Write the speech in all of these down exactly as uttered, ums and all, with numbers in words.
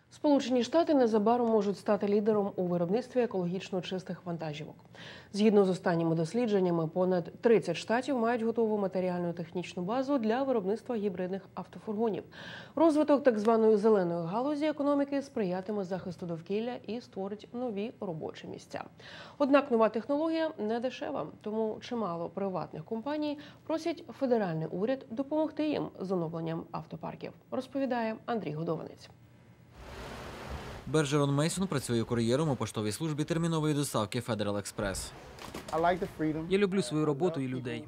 Сполучені Штати незабаром можуть стати лідером у виробництві екологічно чистих вантажівок. Згідно з останніми дослідженнями, понад тридцять штатів мають готову матеріально-технічну базу для виробництва гібридних автофургонів. Розвиток так званої зеленої галузі економіки сприятиме захисту довкілля і створить нові робочі місця. Однак нова технологія не дешева, тому чимало приватних компаній просять федеральний уряд допомогти їм з оновленням автопарків, розповідає Андрій Годованець. Бержерон Мейсон працює кур'єром у поштовій службі термінової доставки Federal Express. Я люблю свою роботу і людей.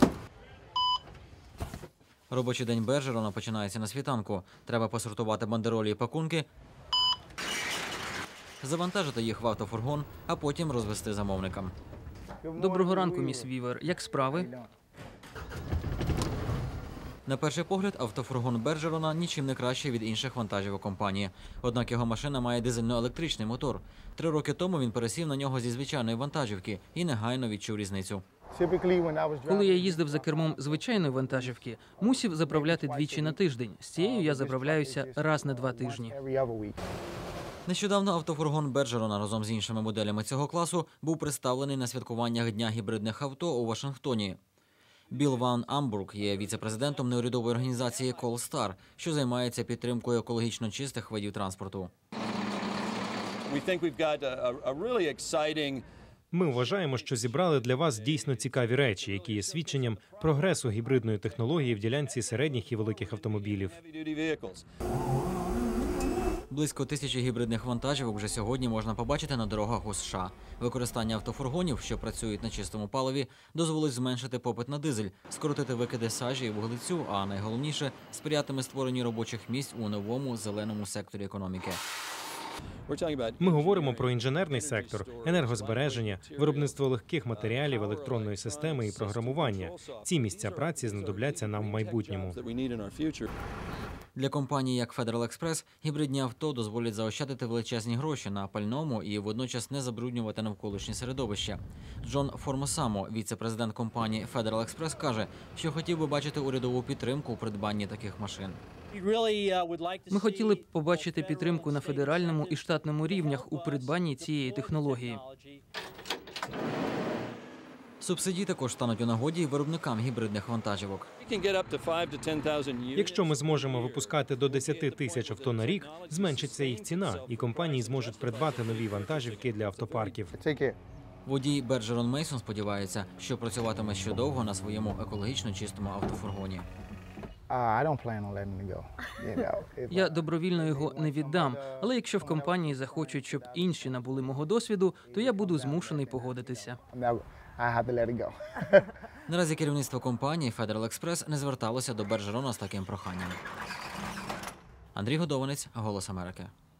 Робочий день Бержерона починається на світанку. Треба посортувати бандеролі і пакунки, завантажити їх в автофургон, а потім розвести замовникам. Доброго ранку, міс Вівер. Як справи? На перший погляд, автофургон Бержерона нічим не краще від інших вантажівок компанії. Однак його машина має дизельно-електричний мотор. Три роки тому він пересів на нього зі звичайної вантажівки і негайно відчув різницю. Коли я їздив за кермом звичайної вантажівки, мусив заправляти двічі на тиждень. З цією я заправляюся раз на два тижні. Нещодавно автофургон Бержерона разом з іншими моделями цього класу був представлений на святкуваннях Дня гібридних авто у Вашингтоні. Білл Ван Амбург є віце-президентом неурядової організації Колстар, що займається підтримкою екологічно чистих видів транспорту. Ми вважаємо, що зібрали для вас дійсно цікаві речі, які є свідченням прогресу гібридної технології в ділянці середніх і великих автомобілів. Близько тисячі гібридних вантажівок вже сьогодні можна побачити на дорогах у США. Використання автофургонів, що працюють на чистому паливі, дозволить зменшити попит на дизель, скоротити викиди сажі і вуглецю, а найголовніше – сприятиме створенню робочих місць у новому зеленому секторі економіки. Ми говоримо про інженерний сектор, енергозбереження, виробництво легких матеріалів, електронної системи і програмування. Ці місця праці знадобляться нам в майбутньому. Для компаній, як Federal Express, гібридні авто дозволять заощадити величезні гроші на пальному і водночас не забруднювати навколишнє середовище. Джон Формосамо, віце-президент компанії Federal Express, каже, що хотів би бачити урядову підтримку у придбанні таких машин. Ми хотіли б побачити підтримку на федеральному і штатному рівнях у придбанні цієї технології. Субсидії також стануть у нагоді виробникам гібридних вантажівок. Якщо ми зможемо випускати до десяти тисяч авто на рік, зменшиться їх ціна, і компанії зможуть придбати нові вантажівки для автопарків. Водій Бержерон Мейсон сподівається, що працюватиме ще довго на своєму екологічно чистому автофургоні. Я добровільно його не віддам, але якщо в компанії захочуть, щоб інші набули мого досвіду, то я буду змушений погодитися. Наразі керівництво компанії Federal Express не зверталося до Бержерона з таким проханням. Андрій Годованець, Голос Америки.